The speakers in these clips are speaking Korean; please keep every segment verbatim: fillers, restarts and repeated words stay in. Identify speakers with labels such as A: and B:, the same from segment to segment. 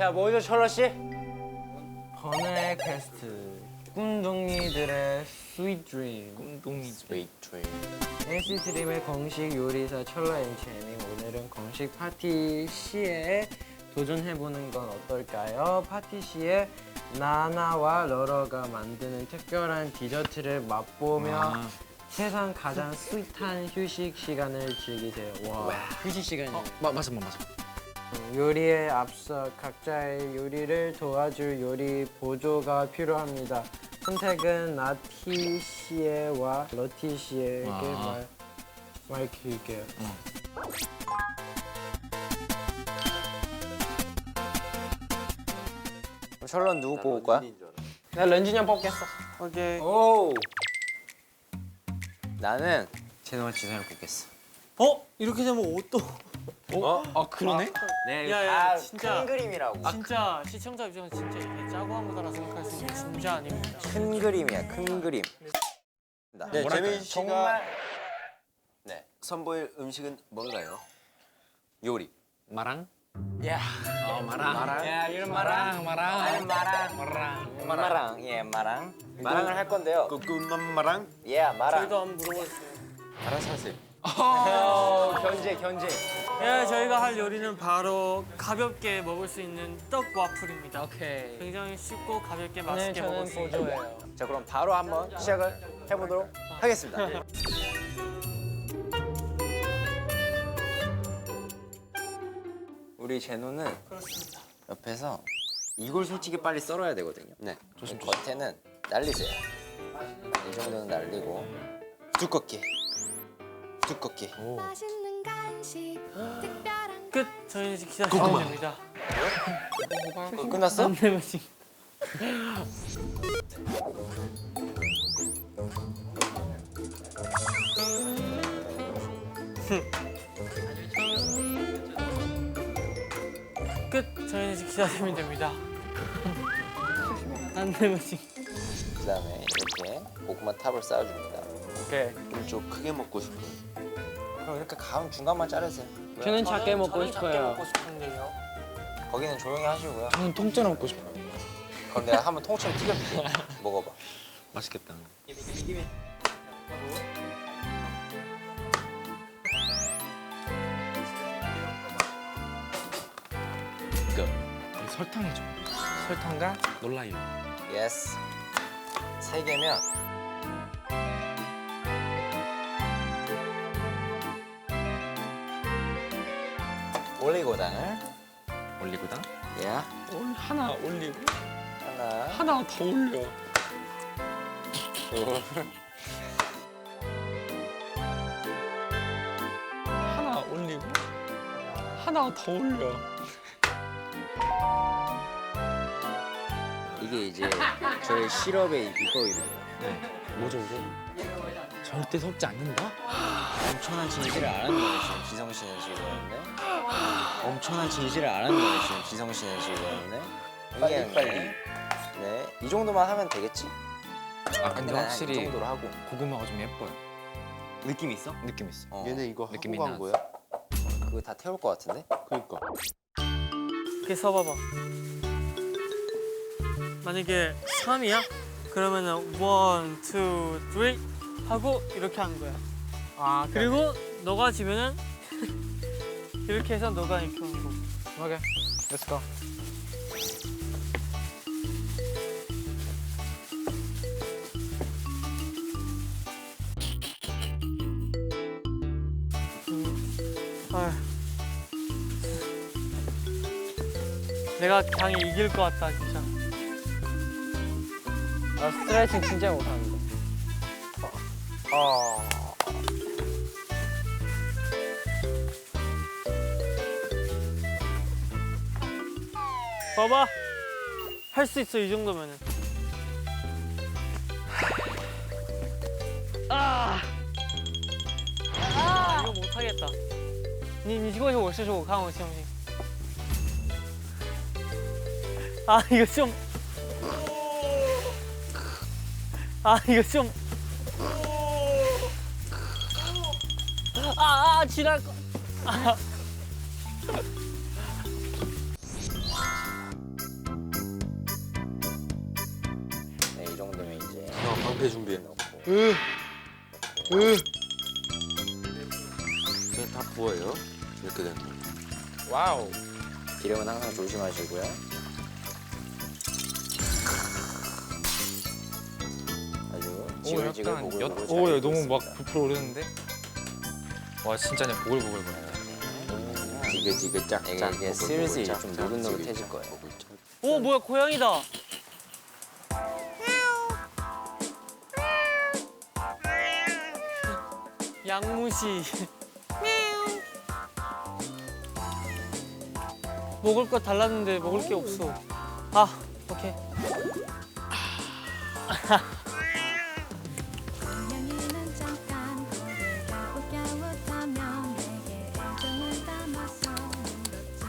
A: 자, 뭐죠, 철러 씨?
B: 번외 퀘스트. 꿈둥이들의 스윗 드림.
A: 꿈동이 스웨이트 트레인.
B: 엔시티 드림의 공식 요리사 철러 앤체밍. 오늘은 공식 파티 시에 도전해보는 건 어떨까요? 파티 시에 나나와 러러가 만드는 특별한 디저트를 맛보며
A: 아.
B: 세상 가장 스윗한 휴식 시간을 즐기세요. 와.
A: 휴식 시간이.
C: 어, 마, 맞아, 맞아.
B: 요리에 앞서 각자의 요리를 도와줄 요리 보조가 필요합니다. 선택은 나티 씨와 러티 씨에게
C: 아.
B: 말, 말 길게요.
A: 철러는 누구 뽑을 거야?
B: 나 런쥔이 형 뽑겠어.
C: 오케이.
A: 오. 나는 제노와 지선을 뽑겠어.
C: 어? 이렇게 되면 옷도.
A: 어?
C: 아, 그러네?
A: 네,
C: 야, 야,
A: 다
C: 진짜.
A: 큰 그림이라고.
C: 진짜 시청자 입장에서 진짜 이게 짜고 한 거다라 생각할 수 있는 진짜 아닙니다.
A: 큰 그림이야, 큰 그림.
D: 네, 재민 씨가
A: 정말
D: 네, 선보일 음식은 뭔가요?
A: 요리.
C: 마랑?
A: 야,
C: 어, 마랑.
A: 마랑.
C: 야, 이런 마랑, 마랑.
A: 아니, 마랑.
C: 마랑.
A: 마랑, 예, 마랑. 마랑을 할 건데요.
D: 꾸꾸맘마랑
A: 예, 마랑.
C: 저희도 한번 물어보겠어요.
D: 알아서 하세요.
A: 어, 견제, 견제.
C: 예, 저희가 할 요리는 바로 가볍게 먹을 수 있는 떡 와플입니다.
B: 오케이.
C: 굉장히 쉽고 가볍게
B: 오늘
C: 맛있게
B: 저는
C: 먹을 수 있는.
B: 보조예요.
A: 자, 그럼 바로 한번 시작을 해보도록 하겠습니다. 우리 제노는 옆에서 이걸 솔직히 빨리 썰어야 되거든요.
D: 네,
A: 조심. 겉에는 날리세요. 이 정도는 날리고 두껍게, 두껍게.
E: 맛있는 간식 특별한
C: 끝. 저희는 이제 기다리면 됩니다.
A: 어, 끝났어?
C: 남대문씨. 끝. 저희는 이제 기다리면 됩니다. 남대문씨.
A: 그다음에 이렇게 고구마 탑을 쌓아줍니다.
B: 오케이.
D: 좀, 좀 크게 먹고 싶어요.
A: 그럼 이렇게 가운 중간만 자르세요.
B: 저는 작게 먹고
C: 저는 작게
B: 싶어요.
C: 먹고 싶은데요.
A: 거기는 조용히 하시고요.
C: 저는 통째로 먹고 싶어요.
A: 그럼 내가 한번 통째로 튀겨줄게. 먹어봐.
D: 맛있겠다.
C: 설탕이죠.
B: 설탕과
C: 놀라요.
A: 예스. 세 개면 올리고당을
C: 올리고당?
A: 예
C: 하나 올리고
A: 하나
C: 하나 더 올려.
A: 둘
C: 하나 올리고 하나 더 올려.
A: 이게 이제 저희 시럽의 비법입니다.
C: 뭐죠 이게? 절대 섞지 않는다?
A: 엄청난 진실을 알았는 거예요 지금 지성 씨는 지금 네? 엄청난 진실을 알았는 거예요 지금 지성 씨는 지금 네? 빨리 빨리 네이 정도만 하면 되겠지?
C: 아 근데
A: 네, 이
C: 확실히
A: 정도로 하고
C: 고구마가 좀 예뻐요.
A: 느낌 있어?
C: 느낌 있어.
A: 어,
D: 얘네 이거
C: 느낌이
D: 하고 간
C: 나지.
D: 거야?
A: 그거 다 태울 것 같은데?
D: 그러니까.
C: 이렇게 써봐봐. 만약에 삼이야? 그러면은 원, 투, 쓰리 하고 이렇게 하는 거야.
B: 아
C: 그리고 너가 지면은 이렇게 해서 너가 이렇게 하는 거.
B: 오케이. Let's go.
C: 아휴. 내가 강이 이길 것 같다 진짜.
B: 나 스트레칭 진짜 못하는데.
A: 어.
C: 봐봐. 할 수 있어 이 정도면은. 아. 아 이거 못 하겠다. 你你过去我试试我看我行不行？啊이거 좀. 아 이거 좀. 아, 아 지날 거. 아.
D: 회 준비해. 그냥 다 부어요. 이렇게 되면.
B: 와우.
A: 기름은 항상 조심하시고요. 아주 지글지글 보글보글 잘
F: 오, 야,
A: 익고
F: 너무
A: 있습니다.
F: 막 부풀어 오르는데? 와, 진짜 그냥 보글보글 거려.
A: 지글지글 짝짝 이게, 이게 슬슬 좀 노릇노릇해질 거예요.
C: 오 뭐야 고양이다. 양무시. 먹을 거 달랐는데 먹을 게 없어. 아 오케이.
E: 고양이는 잠깐 고개 갸웃갸웃하며 내게 애정을 담아서 물었지.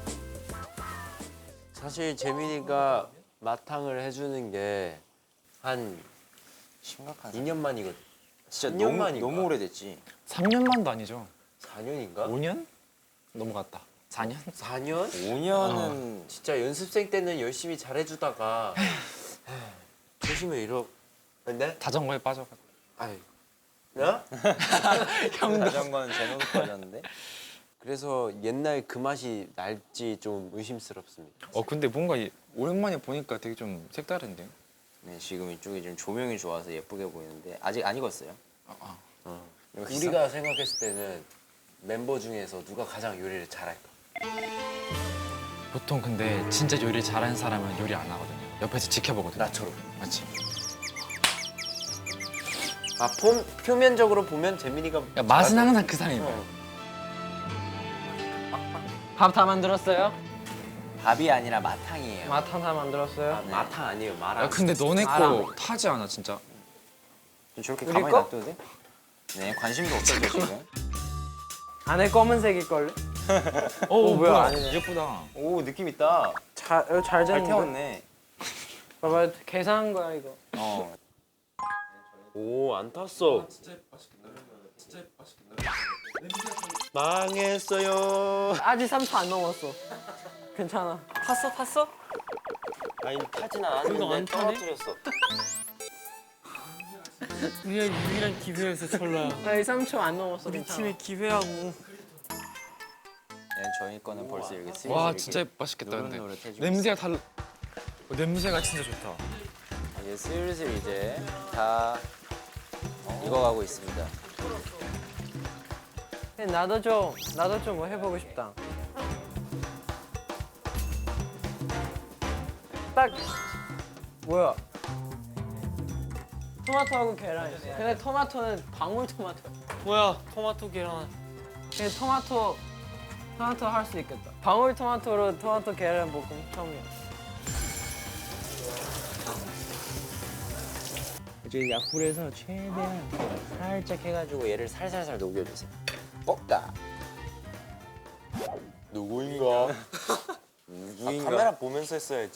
D: 사실 재민이가 마탕을 해주는 게 한
A: 심각한
D: 이 년 만이거든.
A: 진짜
D: 이 년
A: 너무
D: 만인가?
A: 너무 오래됐지.
F: 삼 년 만도 아니죠?
D: 사 년인가?
F: 오 년? 넘어갔다. 사 년?
D: 사 년?
A: 오 년은
D: 진짜 연습생 때는 열심히 잘해주다가 조심해 이러. 근데?
F: 자전거에 빠져가지고.
D: 아이. 나?
A: 자전거는 제노도 빠졌는데.
D: 그래서 옛날 그 맛이 날지 좀 의심스럽습니다.
F: 어, 근데 뭔가 이- 오랜만에 보니까 되게 좀 색다른데요?
A: 네, 지금 이쪽이 좀 조명이 좋아서 예쁘게 보이는데 아직 안 익었어요.
F: 아, 아.
D: 어.
A: 여기서?
D: 우리가 생각했을 때는 멤버 중에서 누가 가장 요리를 잘할까?
F: 보통 근데 진짜 요리 잘하는 사람은 요리 안 하거든요. 옆에서 지켜보거든요.
D: 나처럼.
F: 맞지?
D: 아, 폼, 표면적으로 보면 재민이가
F: 야, 맛은
D: 잘하죠.
F: 항상 그 사람인 거야.
D: 어.
B: 밥 다 만들었어요?
A: 밥이 아니라 마탕이에요.
B: 마탕 다 만들었어요?
A: 아, 네.
D: 마탕 아니에요, 마랑.
F: 야, 근데 너네 거
B: 알아.
F: 타지 않아, 진짜?
A: 저렇게
B: 우리
A: 가만히
B: 거?
A: 놔둬도 돼? 네, 관심도 없어요 지금.
B: 안에 검은색일걸요?
F: 어,
B: 뭐야, 아니네.
F: 예쁘다.
A: 오, 느낌 있다.
B: 잘, 어, 잘
A: 잘
B: 됐는데?
A: 태웠네.
B: 봐봐, 계산한 거야 이거.
A: 어.
D: 오, 안 탔어. 망했어요.
B: 아직 삼 초 안 넘었어. 괜찮아.
C: 탔어 탔어?
D: 아니, 타진
C: 이거 안
D: 않았는데
C: 타네?
D: 떨어뜨렸어.
C: 우리가 유일한 기회였어 철라야.
B: 아직 삼 초 안 넘었어.
C: 우리
B: 괜찮아.
C: 팀의 기회하고.
A: 네, 저희 거는 벌써 이렇게 슬슬
F: 와,
A: 이렇게
F: 진짜 맛있겠다, 근데.
A: 노릇노릇해지고
F: 냄새가 달라. 어, 냄새가 진짜 좋다.
A: 이제 슬슬 이제 다 익어가고 있습니다.
B: 근데 나도 좀 나도 좀 뭐 해보고 싶다. 딱 뭐야? 토마토하고 계란 있어. 근데 토마토는 방울토마토.
C: 뭐야 토마토 계란.
B: 근데 토마토 토마토 할 수 있겠다. 방울토마토로 토마토 계란 볶음 처음이야.
A: 이제 약불에서 최대한 살짝 해가지고 얘를 살살살 녹여주세요. 볶아.
D: 누구인가?
A: 누구인가?
D: 아, 카메라 보면서 했어야지.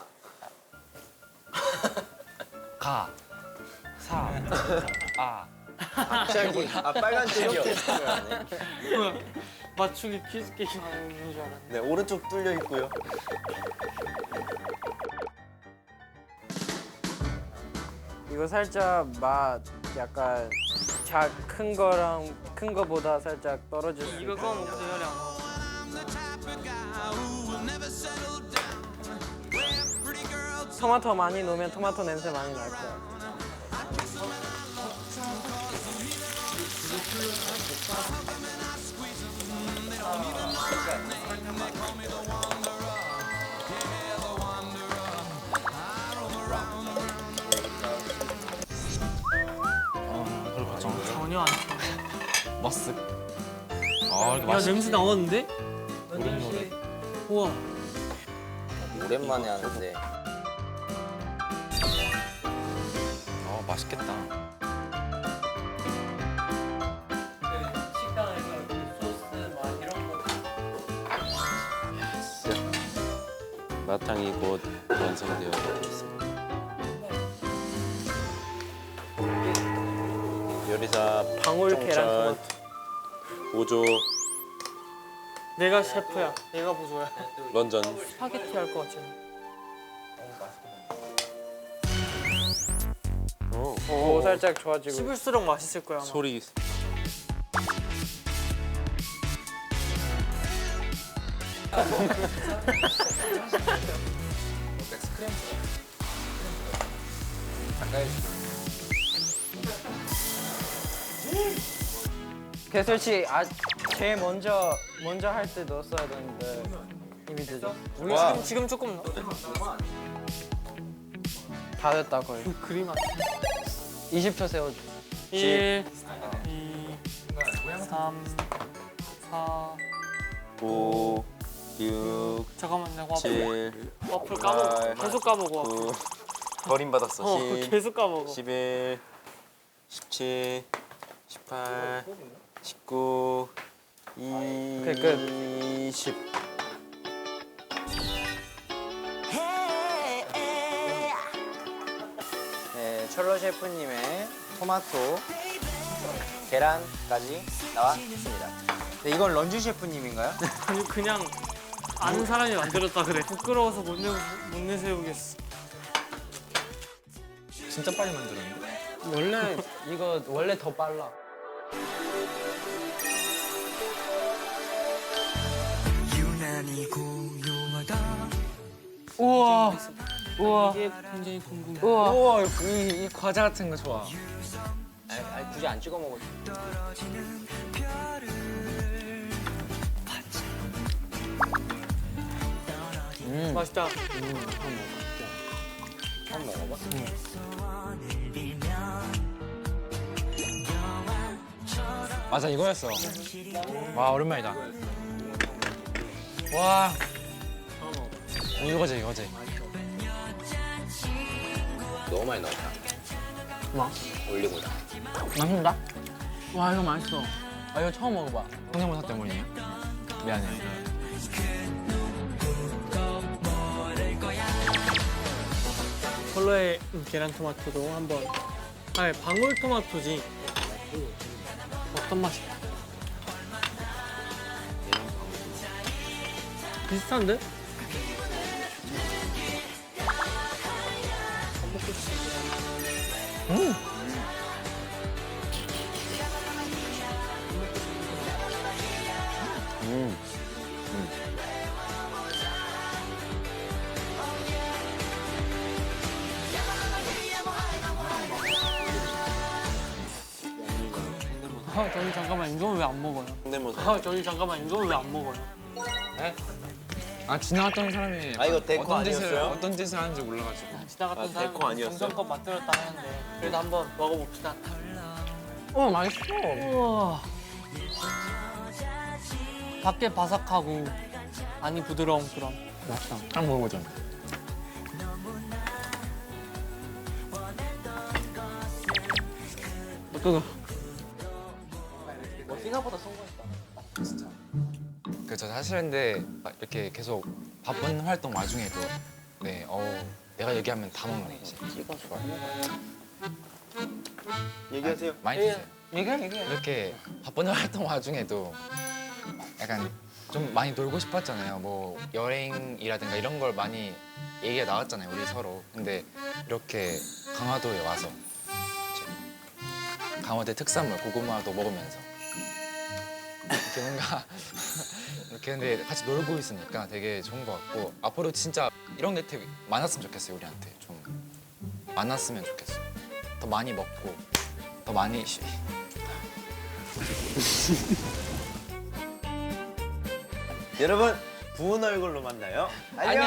F: 가. 사. 아.
A: 갑자기 아 빨간색이요.
C: 뭐야 맞추기 퀴즈 게임 하는 줄 알았네.
D: 네, 오른쪽 뚫려 있고요.
B: 이거 살짝 맛 약간 작큰 거랑 큰 거보다 살짝 떨어질 수
C: 이거
B: 있어.
C: 꺼 먹고 대열이 안 와.
B: 토마토 많이 넣으면 토마토 냄새 많이 날 거야.
F: 어, 그럴 것 같죠.
C: 전혀 안 타.
F: 머쓱. 아, 이렇게
C: 야
F: 맛있
C: 냄새 나왔는데?
F: 노릇노릇.
C: 우와.
A: 오랜만에 하는데
F: 어, 맛있겠다.
B: 식당에서 소스 막 이런 거.
D: 마탕이 곧 완성되어 있습니다. 요리사
B: 방울 계란
D: 정찬,
B: 토마토.
D: 보조
C: 내가 셰프야. 내가 보조야.
D: 런전.
C: 스파게티 할 것 같지?
D: 오,
B: 오, 살짝 좋아지고.
C: 씹을수록 맛있을 거야. 아마.
D: 소리.
B: 개설 씨, 아, 제일 먼저 먼저 할 때 넣었어야 되는데 이미 늦어.
C: 우리
D: 와.
C: 지금 지금 조금 넣어.
B: 다 됐다 거의.
C: 그 그림 안.
B: 이십 초 세워줘.
C: 일, 이, 삼, 사.
D: 오, 육,
C: 잠깐만 내가 와플,
D: 칠,
C: 와플 까먹어.
D: 팔,
C: 계속 까먹어.
D: 구. 버림받았어.
C: 어,
D: 십,
C: 계속 까먹어.
D: 십일, 십칠, 십팔, 십구,
B: 오케이, 끝.
D: 이십.
A: 네, 철로 셰프님의 토마토, 계란까지 나왔습니다. 네, 이건 런쥔 셰프님인가요?
C: 아니 그냥 아는 사람이 만들었다 그래. 부끄러워서 못 내, 못 내세우겠어.
F: 진짜 빨리 만들었는데.
B: 원래 이거 원래 더 빨라.
C: 우와. 우와. 이게 굉장히 궁금해.
B: 우와.
F: 우와 이, 이 과자 같은 거 좋아.
A: 아니, 아니, 굳이 안 찍어 먹어도 돼.
C: 맛있다.
A: 한번 먹어봐.
F: 맞아 이거였어. 와 오랜만이다. 와. 어, 이거지 이거지.
A: 너무 많이 넣었다.
B: 뭐?
A: 올리고당.
B: 맛있다. 와 이거 맛있어. 아 이거 처음 먹어봐.
F: 성대모사 때문이에요? 미안해.
C: 컬러의 계란 토마토도 한번. 아니 방울 토마토지. 어떤 맛이야? 비슷한데? 아 저희 잠깐만 이건 왜 안 먹어요?
D: 성대모사.
C: 아 저희 잠깐만 이건 왜 안 먹어요?
F: 아 지나갔던 사람이
D: 아, 이거 데코
F: 어떤 짓을
D: 아니었어요?
F: 어떤 짓을 하는지 몰라가지고.
C: 지나갔던
D: 아,
C: 사람이
D: 데코 아니었어요?
C: 정성껏 만들었다 하는데 그래도 한번 먹어봅시다.
B: 어 맛있어.
C: 우와. 밖에 바삭하고 안이 부드러운 그런.
B: 맛있다.
F: 한번 먹어보자.
B: 어떠나?
F: 그저 사실 근데 막 이렇게 계속 바쁜 활동 와중에도 네, 어우 내가 얘기하면 다 먹네 이제.
B: 찍어 좋아요.
D: 얘기하세요.
F: 많이 드세요.
B: 얘기해 얘기해.
F: 이렇게 바쁜 활동 와중에도 약간 좀 많이 놀고 싶었잖아요. 뭐 여행이라든가 이런 걸 많이 얘기가 나왔잖아요, 우리 서로. 근데 이렇게 강화도에 와서 이제 강화도 특산물 고구마도 먹으면서 이렇게 뭔가 이렇게 근데 같이 놀고 있으니까 되게 좋은 것 같고 앞으로 진짜 이런 게 되게 많았으면 좋겠어요, 우리한테. 좀 많았으면 좋겠어요. 더 많이 먹고 더 많이 쉬.
D: 여러분, 부은 얼굴로 만나요. 안녕.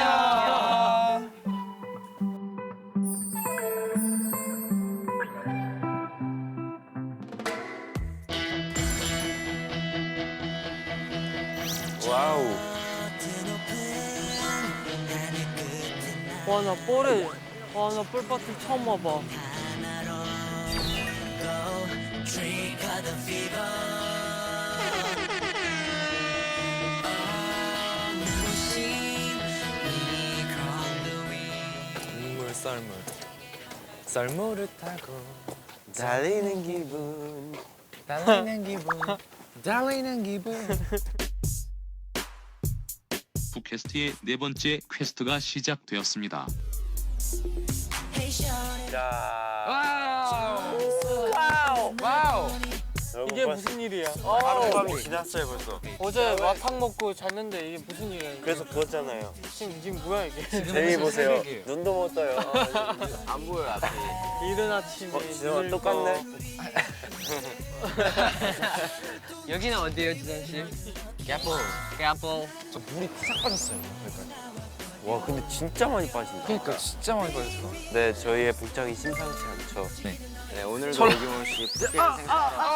D: 와우.
C: 와 나 뻘에 와나 뻘밭을 처음 와봐.
F: 국물 썰물 썰물을 타고
D: 달리는 기분.
F: 달리는 기분 달리는 기분.
G: 푸캐스트의 네 번째 퀘스트가 시작되었습니다.
D: 자.
F: 와우 와우.
C: 이게 무슨 일이야?
A: 하룻밤이 지났어요 벌써.
C: 어제 마탕 먹고 잤는데 이게 무슨 일이야? 이게.
A: 그래서 부었잖아요.
C: 지금 지금 뭐야 이게?
A: 재미 보세요.
F: 새벽이에요.
A: 눈도 못 떠요.
D: 안 보여 앞이.
C: 이른 아침에
A: 어, 지성아
C: 눈을
A: 똑같네.
B: 여기는 어디예요, 지선 씨? 깨뽀. 깨뽀.
F: 저 물이 싹 빠졌어요. 그러니까.
A: 와 근데 진짜 많이 빠진다.
F: 그러니까 진짜 많이 빠졌어.
A: 네 저희의 복장이 심상치 않죠.
F: 네.
A: 네 오늘도 어김없이 푸켓 생각.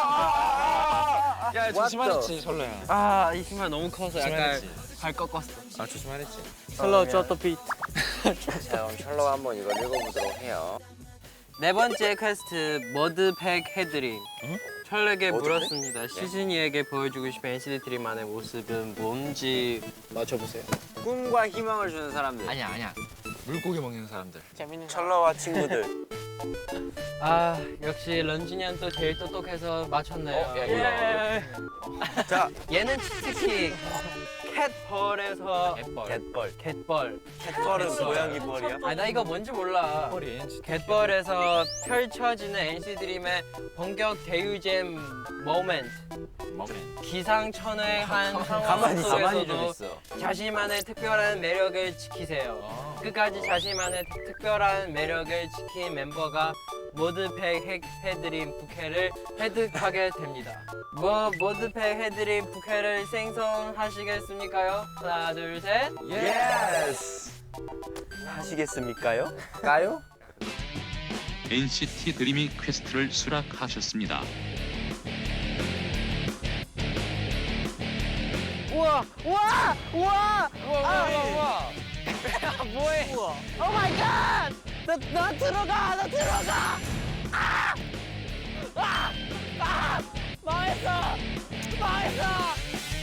F: 야 조심하랬지 설레야.
B: 아, 이 신발 너무 커서 약간
F: 조심하랬지.
B: 발 꺾었어.
F: 아 조심하랬지.
C: 슬로우 쩌또 비트.
A: 자 그럼 셜록 한번 이걸 읽어보도록 해요.
B: 네 번째 퀘스트 머드팩 해드림. 철에게
A: 머드팩?
B: 물었습니다. 시즌이에게 보여주고 싶은 엔시티 드림만의 모습은 뭔지 맞춰보세요.
A: 꿈과 희망을 주는 사람들.
F: 아니야 아니야. 물고기 먹는 사람들.
C: 재밌는 거.
A: 철러와 친구들.
B: 아, 역시 런쥔이 형 또 제일 똑똑해서 맞췄네요.
A: 어, 야, 이거. 자
B: 얘는 특히 캣벌에서
F: 갯벌.
A: 갯벌.
B: 갯벌.
A: 갯벌은 고양이 벌이야?
B: 아, 나 이거 뭔지 몰라.
F: 갯벌이 엔시티.
B: 갯벌에서 펼쳐지는 엔시티 드림의 본격 대유잼 모멘트.
F: 먹으면.
B: 기상천외한 상황
A: 가만히 가만히 좀
B: 속에서도
A: 있어.
B: 자신만의 특별한 매력을 지키세요.
F: 아.
B: 끝까지 자신만의 특별한 매력을 지킨 멤버가 모드팩 해- 해드림 부케를 획득하게 됩니다. 뭐 모드팩 해드림 부케를 생성하시겠습니까요? 하나 둘 셋.
A: 예스. 하시겠습니까요? 까요?
G: 엔시티 드림이 퀘스트를 수락하셨습니다.
B: 우와 우와 우와 우와 우와 뭐해? 오 마이 갓! 나, 나 들어가! 나 들어가! 아! 아! 아! 망했어! 망했어!